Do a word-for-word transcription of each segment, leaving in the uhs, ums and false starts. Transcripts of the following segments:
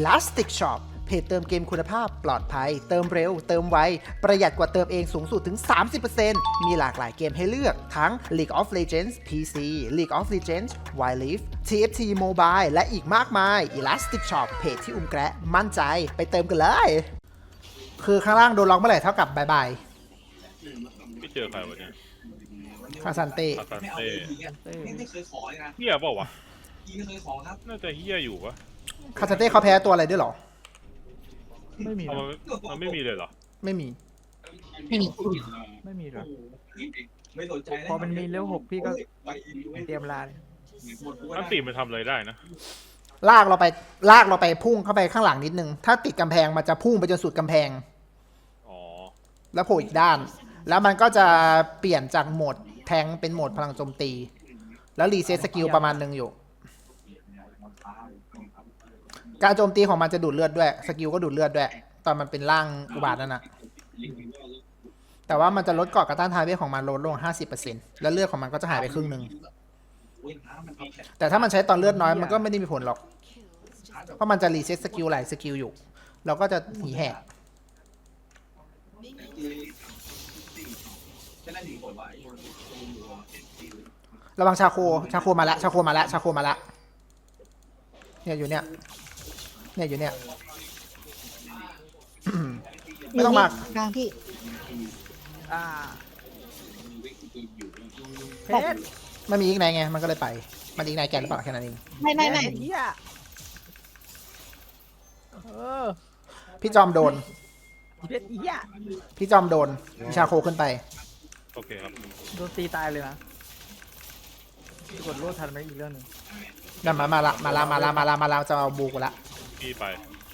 Elastic Shop เพจเติมเกมคุณภาพปลอดภัยเติมเร็วเติมไวประหยัดกว่าเติมเองสูงสุดถึง สามสิบเปอร์เซ็นต์ มีหลากหลายเกมให้เลือกทั้ง League of Legends พี ซี League of Legends Wild Rift ที เอฟ ที Mobile และอีกมากมาย Elastic Shop เพจที่อุ้มแกะมั่นใจไปเติมกันเลย คือข้างล่างโดนล็อกเมื่อไหร่เท่ากับบายบายไม่เจอใครวะเนี่ยคาซันเต้คาซันเต้ไม่เคยขอเลยนะเฮียเปล่าวะพี่ไม่เคยขอครับน่าจะเฮียอยู่ปะคาซันเต้เขาแพ้ตัวอะไรด้วยเหรอไม่มีเอานะมันมันไม่มีเลยเหรอไม่มีไม่มีไม่มีหรอกไม่สนใจพอมันมีเลเวลหกพี่ก็เตรียมลาเลยอันตีมันทำอะไรได้นะลากเราไปลากเราไปพุ่งเข้าไปข้างหลังนิดนึง ถ้าติดกำแพงมันจะพุ่งไปจนสุดกำแพงอ๋อแล้วโผล่อีกด้าน แล้วมันก็จะเปลี่ยนจากโหมดแทงเป็นโหมดพลังโจมตี แล้วรีเซ็ตสกิลประมาณหนึ่งอยู่ การโจมตีของมันจะดูดเลือดด้วย สกิลก็ดูดเลือดด้วย ตอนมันเป็นร่างอุบาทนั่นนะแต่ว่ามันจะลดเกราะกระต้านทานเวทของมันลดลง ห้าสิบเปอร์เซ็นต์ แล้วเลือดของมันก็จะหายไปครึ่งหนึ่ง แต่ถ้ามันใช้ตอนเลือดน้อยมันก็ไม่ได้มีผลหรอก เพราะมันจะรีเซ็ตสกิลหลายสกิลอยู่ เราก็จะหนีแหกระวังชาโค ชาโคมาละ ชาโคมาละ ชาโคมาละ เนี่ยอยู่เนี่ย เนี่ยอยู่เนี่ย ไม่ต้องมากลางพี่อ่าเพชรมันมีอีกไหนไง มันก็เลยไป มันอีกไหนแกนหรือเปล่าแค่นั้นเองไม่ไม่ไม่เฮียเออพี่จอมโดนเพชรเฮียพี่จอมโดนมีชาโคขึ้นไปโอเคครับโดนตีตายเลยนะกดโลดทันไหมอีกเรื่องหนึ่งนั่นมา มาละ มาละ มาละ มาละ มาละจะเอาบูกูละพี่ไป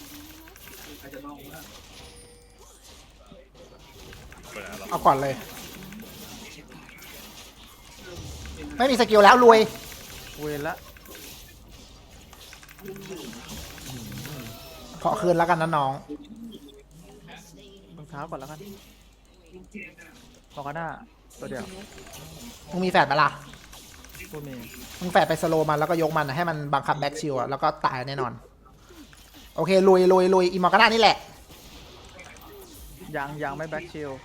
ไปไหนแล้วเอาก่อนเลย ไม่มีสกิลแล้วรวยเวรละขอคืนแล้วกันนะน้องรองเท้าก่อนแล้วกันบอกกันหน้าตัวเดียวมึงมีแฟดไหมล่ะตัวเมย์มึงแฟดไปสโลว์มันแล้วก็ยกมันอะให้มันบังคับแบ็กชิลอะแล้วก็ตายแน่นอน โอเคลุยลุยลุยอีมอร์กาน่านี่แหละยังยังไม่แบ็คชิล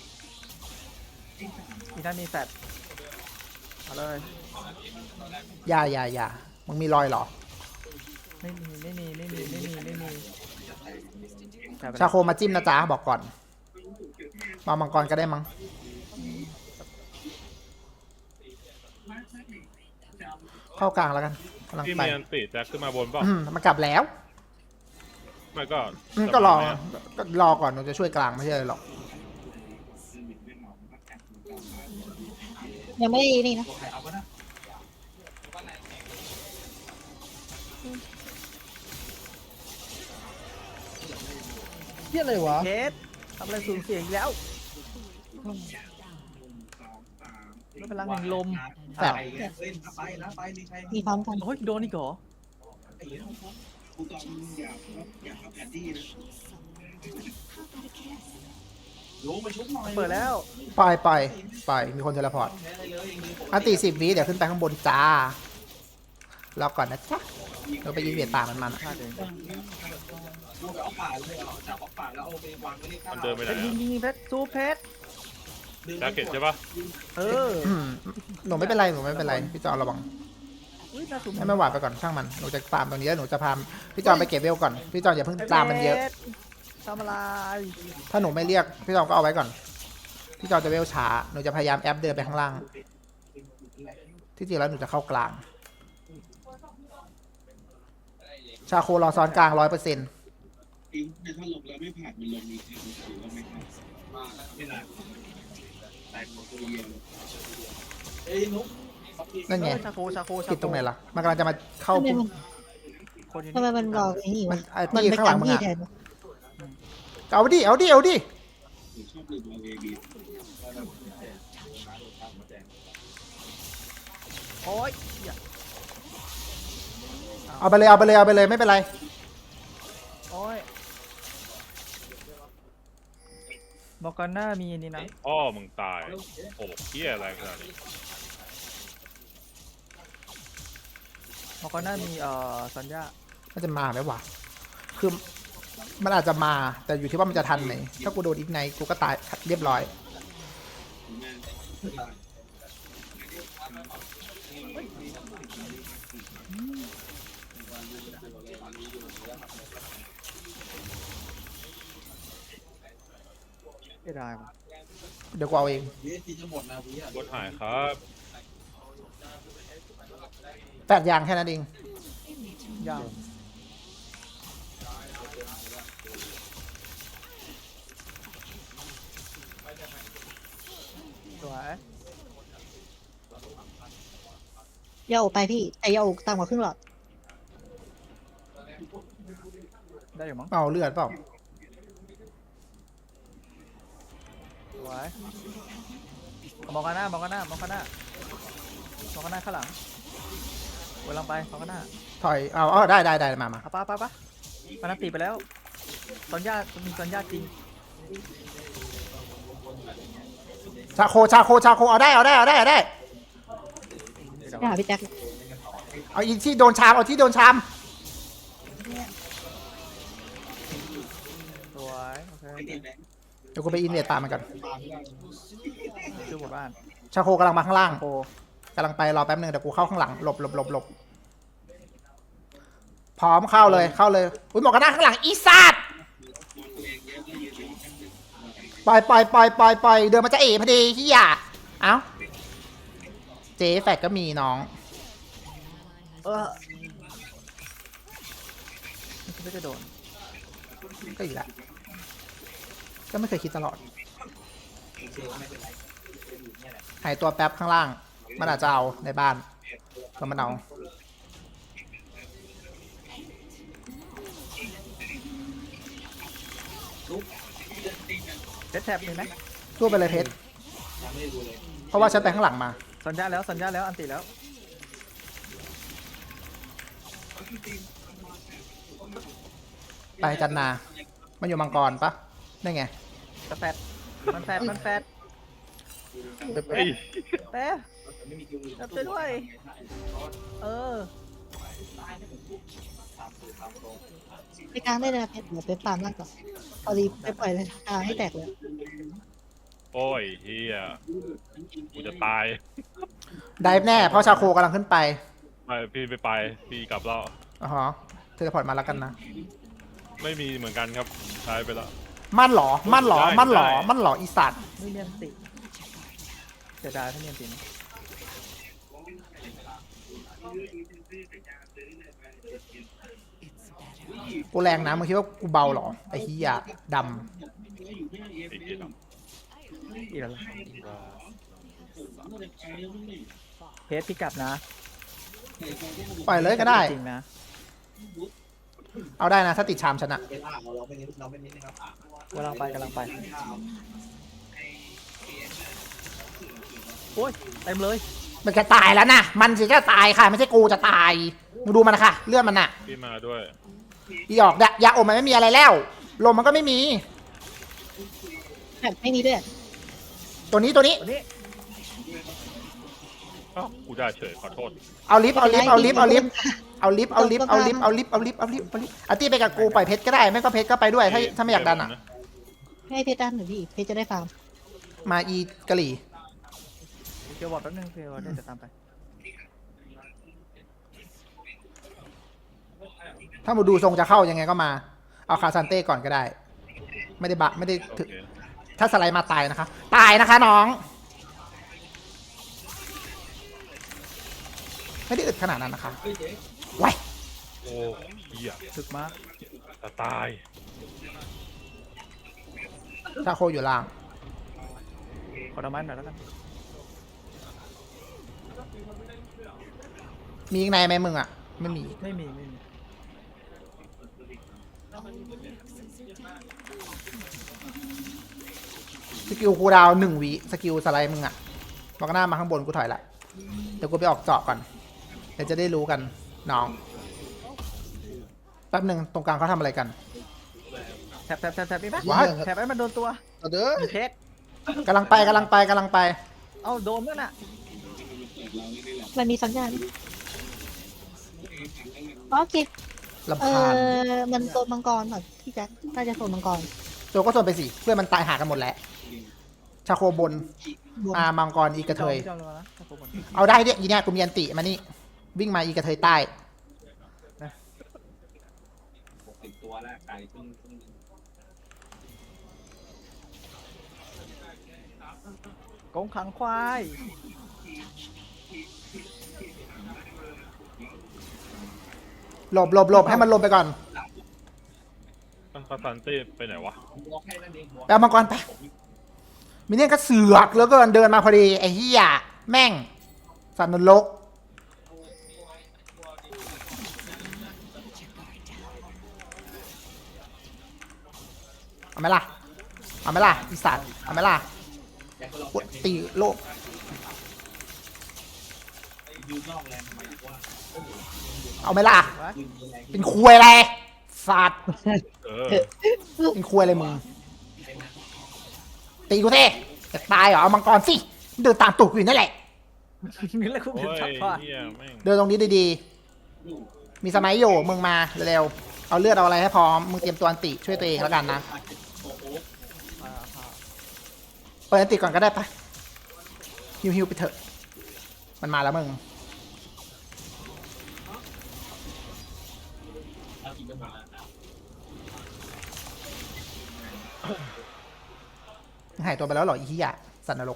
อีนั่นมีแฟดเอาเลยอย่าอย่าอย่ามึงมีรอยเหรอไม่มีไม่มีไม่มีไม่มีไม่มีแฟดไปชาโคมาจิ้มนะจ๊ะบอกก่อนมามังกรก็ได้มั้งเข้ากลางแล้วกันกำลังพี่ไปเมียนติแจ็คขึ้นมาบนเปล่าอืมมันกลับแล้วไม่ก็อืมก็รอก็รอก่อนหนูจะช่วยกลางไม่ใช่หรอกยังไม่นี่นะเฮียอะไรวะเพชรทำอะไรสูญเสียอีกแล้วแล้วพลังแห่งลมแต่อ้าวเล่นไปนะไปนี่ใช่มีพร้อมกันโอ้ยโดนอีกเหรอกูตอนอยากอยากเอาแผนที่นะลงมาชุบหน่อยเปิดแล้วปล่อยปล่อยปล่อยมีคนเทเลพอร์ตอันตีสิบวิเดี๋ยวขึ้นไปข้างบนจ้ารอก่อนนะจ๊ะเราไปยิงเบียดป่ามันมันพลาดเองกูไปเอาป่าเลยเหรอจับเอาป่าแล้วเอาไปวางไว้ในข้ามันเดินไปเพไหนชรยิงอะยิงเพชรซูเพชรแจ็คเก็ตใช่ปะเอออืมหนูไม่เป็นไรหนูไม่เป็นไรพี่จอระวังอุ้ยน่าสูงให้ไม่หวาดไปก่อนช่างมันหนูจะตามตรงนี้แล้วหนูจะพามพี่จอมไปเก็บเวลก่อนพี่จอมอย่าเพิ่งตามมันเยอะทำอะไรถ้าหนูไม่เรียกพี่จอมก็เอาไว้ก่อนพี่จอมจะเวลช้าหนูจะพยายามแอปเดินไปข้างล่างที่จริงแล้วหนูจะเข้ากลาง ชาโครอซ้อนกลางร้อยเปอร์เซ็นต์ถ้าลงแล้วไม่ผ่านมันลงมีถือว่าไม่ผ่านมาไม่นานแต่ตัวเย็นเอ้ยนุ๊กนั่นไงเออชาโคชาโคชาโคผิดตรงไหนล่ะมันกำลังจะมาเข้าทำไมมันคนอยู่ทำไมนี่มันบอกไอ้นี่มัวะนไอ้มันที่ไปข้างหลักังนมึงที่อะแทนเอาดิเอาดิเอาดิชอบลืมเอาเอบีโอ้ยเหี้ยเอาไปเลยเอาไปเลยเอาไปเลยไม่เป็นไรโอ้ยบอกกันหน้ามีอันนี่นะอ้อมึงตายโอ้เฮียอะไรขนาดนี้บอกกันหน้ามีเอ่อสัญญามันจะมาไหมวะคือมันอาจจะมาแต่อยู่ที่ว่ามันจะทันไหมถ้ากูโดนอีกไนกูก็ตายเรียบร้อยไม่ได้ว่ะเดี๋ยวกูเอาเองบนหายครับแปดอย่างแค่นั้นเองยาวสวยยาโอไปพี่แต่ยาโอต่ำกว่าครึ่งหลอดได้อยู่มั้งเอาเลือดเปล่าสวยมองกันหน้ามองกันหน้ามองกันหน้ามองกันหน้าข้างหลังกำลังไปมองกันหน้าถอยเอาเอาได้ได้ได้มามาเอาปะปะปะมันนันตีไปแล้วตอนญาติมีตอนญาติจริงชาโคชาโคชาโคเอาได้เอาได้เอาได้เอาได้ไปหาพี่แจ็คเอาอีที่โดนชามเอาที่โดนชามสวยโอเคเดี๋ยวกูไปอินเดียตามมันก่อนชื่อหมู่บ้านชาโคกำลังมาข้างล่างโคกำลังไปรอแป๊บนึงเดี๋ยวกูเข้าข้างหลังหลบหลบหลบหลบพร้อมเข้าเลยเข้าเลยอุ้ยหมอกกันหน้าข้างหลังอีสัตว์ปล่อยปล่อยปล่อยปล่อยปล่อยเดินมาจะเอ๋พอดีเฮียเอ้าเจ๊แฟดก็มีน้องเออไม่คิดว่าจะโดนก็อีกแล้วก็ไม่เคยคิดตลอดหายตัวแป๊บข้างล่างมันอาจจะเอาในบ้านก็มันเอาเซตแทบมีไหมสู้ไปเลยเพชรเพราะว่าฉันไปข้างหลังมาสัญญาแล้วสัญญาแล้วอันติแล้วไปจันนา มันอยู่มังกรปะได้ไงกระแฟดมันแฟดมันแฟดเฮ้ยเต้จับไปด้วยเออไปกลางได้เลยนะเพชรเดี๋ยวไปฟาร์มล่างก่อนเอาดีไปปล่อยเลยกลางให้แตกเลยโอ้ยเฮียกูจะตายได้แน่ เพราะชาโคกำลังขึ้นไปไปพี่ไปไปพี่กลับแล้วอ๋อฮะเทเลพอร์ตมาแล้วกันนะไม่มีเหมือนกันครับใช้ไปแล้วมั่นเหรอ มั่นเหรอได้มั่นเหรอได้มั่นเหรอ อีสัตว์ไม่เนียนติเสียดายถ้าเนียนตินะกูแรงนะ มึงคิดว่ากูเบาเหรอ ไอ้เฮียดไอ้เกียร์ดอีกแล้วล่ะำเพจพี่กลับนะำปล่อยเลยก็ได้จริงนะเอาได้นะ ถ้าติดชามชนะกำลังไปกำลังไปโอ้ยเต็มเลยมันจะตายแล้วนะ มันสิจะตายค่ะ ไม่ใช่กูจะตาย มึงดูมันนะคะเลือดมันน่ะพี่มาด้วยอีออกดะยาอมมันไม่มีอะไรแล้ว ลมมันก็ไม่มีแบบไม่มีด้วยตัวนี้ตัวนี้วันนี้อ้าวกูได้เฉยขอโทษเอาลิฟต์เอาลิฟต์เอาลิฟต์เอาลิฟต์เอาลิฟต์เอาลิฟต์เอาลิฟต์เอาลิฟต์เอาลิฟต์เอาลิฟต์เอาลิฟต์อาร์ตี้ไปกับกูปล่อยเพชรก็ได้ไม่ก็เพชรก็ไปด้วยถ้าถ้าไม่อยากดันอ่ะให้เพชรด้านหน่อยพี่เพชรจะได้ฟาร์มมาอีกะหรี่เกียวบอดแป๊บนึงเกียวบอดเดี๋ยวจะตามไปถ้ามูดูทรงจะเข้ายังไงก็มา เอาคาซันเต้ก่อนก็ได้ ไม่ได้บะไม่ได้โอถึงเคถ้าสไลด์มาตายนะคะ ตายนะคะน้อง ไม่ได้อึดขนาดนั้นนะคะไว้โอ้เฮียถึกมากจะตายชาโคอยู่ล่างขอดอกไม้หน่อยแล้วกันมีอีกในไหมมึงอ่ะ ไม่มีไม่มีไม่มีสกิลคูลดาวน์หนึ่งวิสกิลสไลด์มึงอะบอกหน้ามาข้างบนกูถอยละเดี๋ยวกูไปออกเจาะก่อนเดี๋ยวจะได้รู้กันน้องแป๊บหนึ่งตรงกลางเขาทำอะไรกันแทบแทบแทบแทบมีไหมว้ายแทบให้มันโดนตัวเอาเด้อมีเพชรกำลังไปกำลังไปกำลังไปเอาโดนด้วยน่ะมันมีสัญญาณโอเคลำเอคาญอมันโซนมังกรแบบพี่แจ็คน่าจะโซนมังกรโจก็ส่วนไปสิเพื่อนมันตายหากันหมดแล้วชาโคบนบวมอามังกรอีกระเทยพี่จอมลงมานะถ้าผมหมดเอาได้เนี่ยอีเนี่ยกูมีอันติมานี่วิ่งมาอีกระเทยใต้ติดตัวแล้วไก่เพิ่งเพิ่งกงขังควายหลบหลบหลบให้มันหลบไปก่อนมันคาซันเต้ไปไหนวะบอกแค่นั้นเองหัวไปเอามังกรไปมิเนี่ยก็เสือกแล้วก็เดินมาพอดีไอ้เหี้ยแม่งสัตว์นรกเอาไหมล่ะเอาไหมล่ะอีสัตว์เอาไหมล่ะปวดตีโลกยืนนอกแรงทำไมว่าเอาไหมล่ะวะยืนแรงเป็นควยอะไรสัตว์เออเป็นควยอะไรมึงตีกูเท่จะตายเหรอเอามังกรสิเดินตามตูดกูอยู่นั่นแหละนี่แหละคุณโอ้เป็นยชักผ้าเฮียแม่งเดินตรงนี้ดีๆมีสมัยอยู่มึงมาเร็วๆเอาเลือดเอาอะไรให้พร้อมมึงเตรียมตัวอันติช่วยตัวเองแล้วกันนะอ่าผ้าเปิดอันติก่อนก็ได้ปะฮิวฮิวไปเถอะมันมาแล้วมึงเอากินกันหมดแล้วหายตัวไปแล้วเหรออีฮิยะสัตว์นรก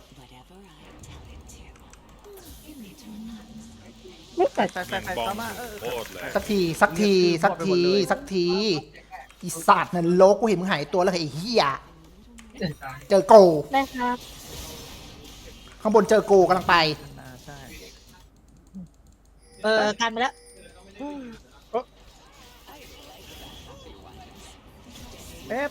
ใส่ใส่ใส่แม่งใส่บอตาม มมาเออโคตรแรงสักทีสักทีสักทีสักทีอีสัตว์นรกกูเห็นมึงหายตัวแล้วไอ้เฮียเจอโกได้ครับข้างบนเจอโกกำลังไปอ่าใช่เออกันไปแล้วเอ๊ะ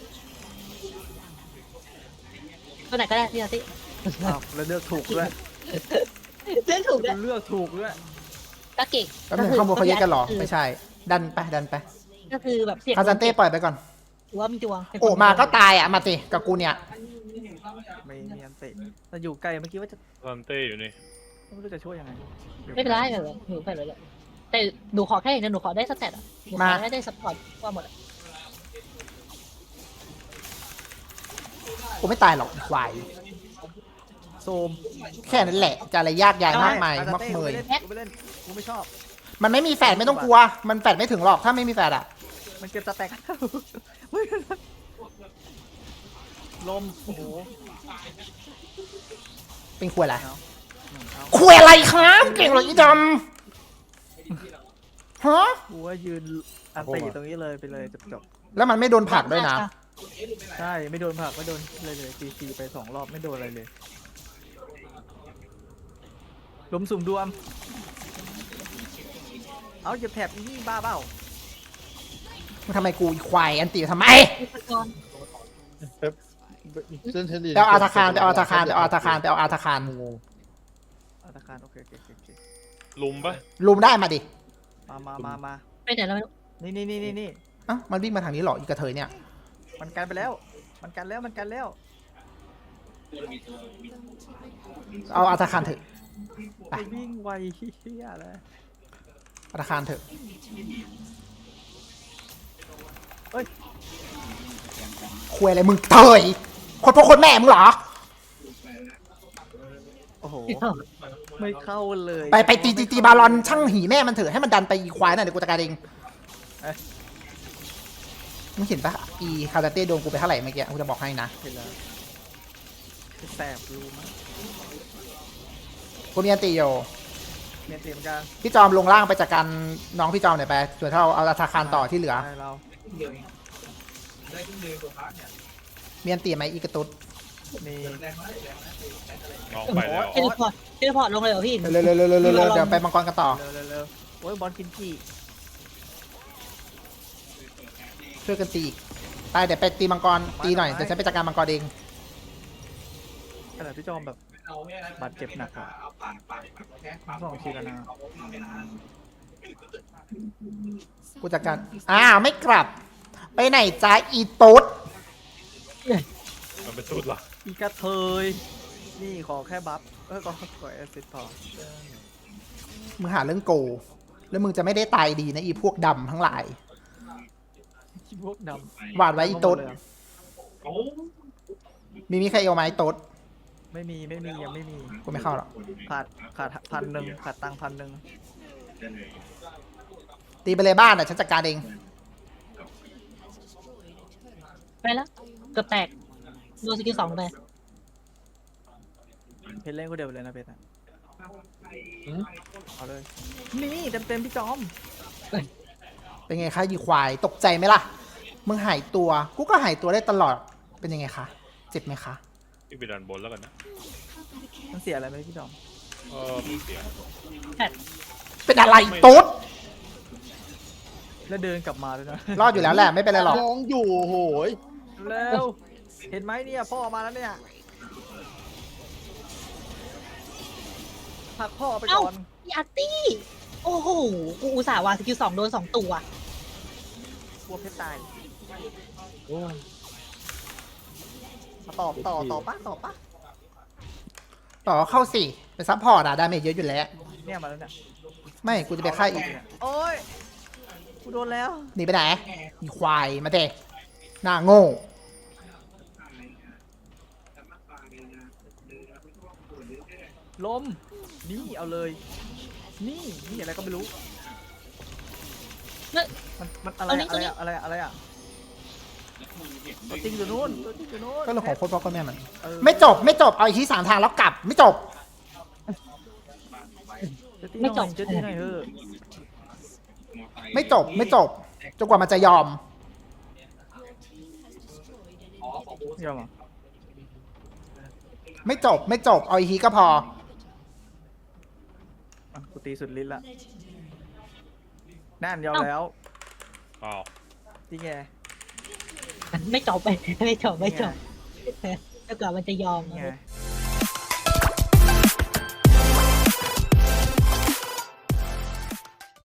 ตัวไหนก็ได้พี่อาร์ติอ้าวแล้วเลือกถูกด้วยเล่นถูกด้วยเลือกถูกด้วยก็เก่งแป๊บนึงข้างบนเขาแยกกันเหรอไม่ใช่ ดันไปดันไปก็คือแบบเสียงคาซันเต้ปล่อยไปก่อนถือว่ามีดวงเป็นคนโอ้มาก็ตายอ่ะมาสิกับกูเนี่ยไม่มีอันเตะแต่อยู่ไกลเมื่อกี้ว่าจะคาซันเต้อยู่นี่ไม่รู้จะช่วยยังไงไม่เป็นไรไม่เป็นไรหนูไปเลยแหละแต่หนูขอแค่อย่างเดียวหนูขอได้สแตทอ่ะหนูขอได้ได้สปอร์ตว่าหมดอะกูไม่ตายหรอกควายโซมแค่นั้นแหละจะอะไรยากยายมากมายมากเมยกูไม่เล่นกูไม่ชอบมันไม่มีแฟดไม่ต้องกลัว มันแฟดไม่ถึงหรอกถ้าไม่มีแฟดอ่ะมันเก็บสแต็กลมโอ้โหเป็นควยอะไรเอาหนึ่งเอาควยอะไรครับเก่งเหรออีดำฮะกูว่ายืนอันตีตรงนี้เลยไปเลยจบจบแล้วมันไม่โดนผลักด้วยนะใช่ไม่โดนผลักไม่โดนเลยเลยตีตีไปสองรอบไม่โดนอะไรเลยล้มสุ่มดวมเอาอย่าแถบอีนี่บ้าเปล่ามึงทำไมกูอีควายอันตีทำไมอุปกรณ์ไปเอาอาธาคารไปเอาอาธาคารไปเอาอาธาคารไปเอาอาธาคารอาตาคารโอเคโอเคโอเคโอเคลุมปะลุมได้มาดิมามามามาไปไหนแล้วไม่รู้นี่นี่นี่นี่นี่อ่ะมันวิ่งมาทางนี้เหรออีกระเทยเนี่ยมันกันไปแล้ว มันกันแล้วมันกันแล้วเอาอาธาคารเถอะ ไปวิ่งไวเฮียเลยอาธาคารเถอะเอ้ยควยอะไรมึงเถยคนพ่อคนแม่มึงเหรอโอ้โหไม่เข้าเลยไปไปตีตีตีบาลอนช่างหีแม่มันเถอะให้มันดันไปอีควายน่ะเดี๋ยวกูจัดการเองมึงเห็นปะอีคาราเต้โดนกูไปเท่าไหร่เมื่อกี้กูจะบอกให้นะเห็นแล้วแสบรู้มั้ยกูมีอันติโยเมียนเตรียมกันพี่จอมลงล่างไปจัดการน้องพี่จอมหน่อยไปส่วนถ้าเราเอาอาธาคารต่อที่เหลือได้เราได้ขึ้นเร็วกว่าพักเนี่ยมีอันติไหมอีกระตุดมีแรงมากแรงมากน้องไปแล้วเทเลพอร์ตเทเลพอร์ตลงเลยเหรอพี่เร็วเร็วเร็วเร็วเร็วเร็วเดี๋ยวไปมังกรกันต่อเร็วเร็วเร็วโอ้ยบอลกินกี่ช่วยกันตีอีกไปเดี๋ยวไปตีมังกรตีหน่อยเดี๋ยวฉันไปจัดการมังกรเองขนาดพี่จอมแบบเอาไม่ได้บาดเจ็บหนักอะเอาปากปากปากแค่ปากสองทีแล้วนะกูจัดการอ้าวไม่กลับ ไปไหนจ้าอีตุ๊ดมันเป็นชุดเหรออีกระเทยนี่ขอแค่บัฟเออขอขอแอสซิสต์พอมึงหาเรื่องโก แล้วมึงจะไม่ได้ตายดีนะอีพวกดำทั้งหลายพวกดหวาดำไว้อีโต๊ดโอ้มีมีใครเอาไหมโต๊ดไม่มีไม่มียังไม่มีกูไม่เข้าหรอกขาดขาดพันหนึ่งขาดตังค์พันหนึ่งตีไปเลยบ้านอ่ะฉันจัดการเองไปแล้วเกือบแตกโดนสกิลสองไปเพชรเล่นก็เดียวไปเลยนะเพชรอะเอาเลยนี่เต็มเต็มๆพี่จอมเป็นไงคะยีควายตกใจไหมล่ะ มึงหายตัว กูก็หายตัวได้ตลอด เป็นยังไงคะ เจ็บไหมคะพี่ไปดันบนแล้วกันนะมันเสียอะไรไหมพี่จอมเออไม่เสียเป็นอะไรโต๊ดแล้วเดินกลับมาด้วยนะรอดอยู่แล้วแหละไม่เป็นไรหรอกมองอยู่โอ้โหยเร็วเห็นไหมเนี่ยพ่อมาแล้วเนี่ยผลักพ่อไปก่อนพี่อาร์ตี้โอ้โหกูอุตส่าห์วางสกิลสองโดนสองตัวกลัวเพชรตายมาตอบต่อต่อปะต่อปะต่อเข้าสิเป็นซัพพอร์ตอะดาเมจเยอะอยู่แล้วเนี่ยมาแล้วเนี่ยไม่ กูจะไปฆ่าอีกโอ้ยกูโดนแล้วหนีไปไหนอีควาย มาเตะหน้าโง่ลมนี่เอาเลย นี่นี่อะไรก็ไม่รู้เฮ้ยมันมันอะไรเอานี่อะอะไรอะอะไรอะอะไรอะตัวจริงอยู่นู่นตัวจริงอยู่นู่นก็เรื่องของโคตรพ่อโคตรแม่มันเออไม่จบ ไม่จบ เอาอีกทีสามทางแล้วกลับ ไม่จบไม่จบเจ๊ตีหน่อยเถอะไม่จบ ไม่จบ จนกว่ามันจะยอมยอมเหรอไม่จบ ไม่จบ เอาอีกทีก็พออ่ะกูตีสุดลิ้นละนั่นยอมแล้วอ้าวจริงไงไม่จบไปไม่จบไม่จบแล้วกว่ามันจะยอมนี่ไง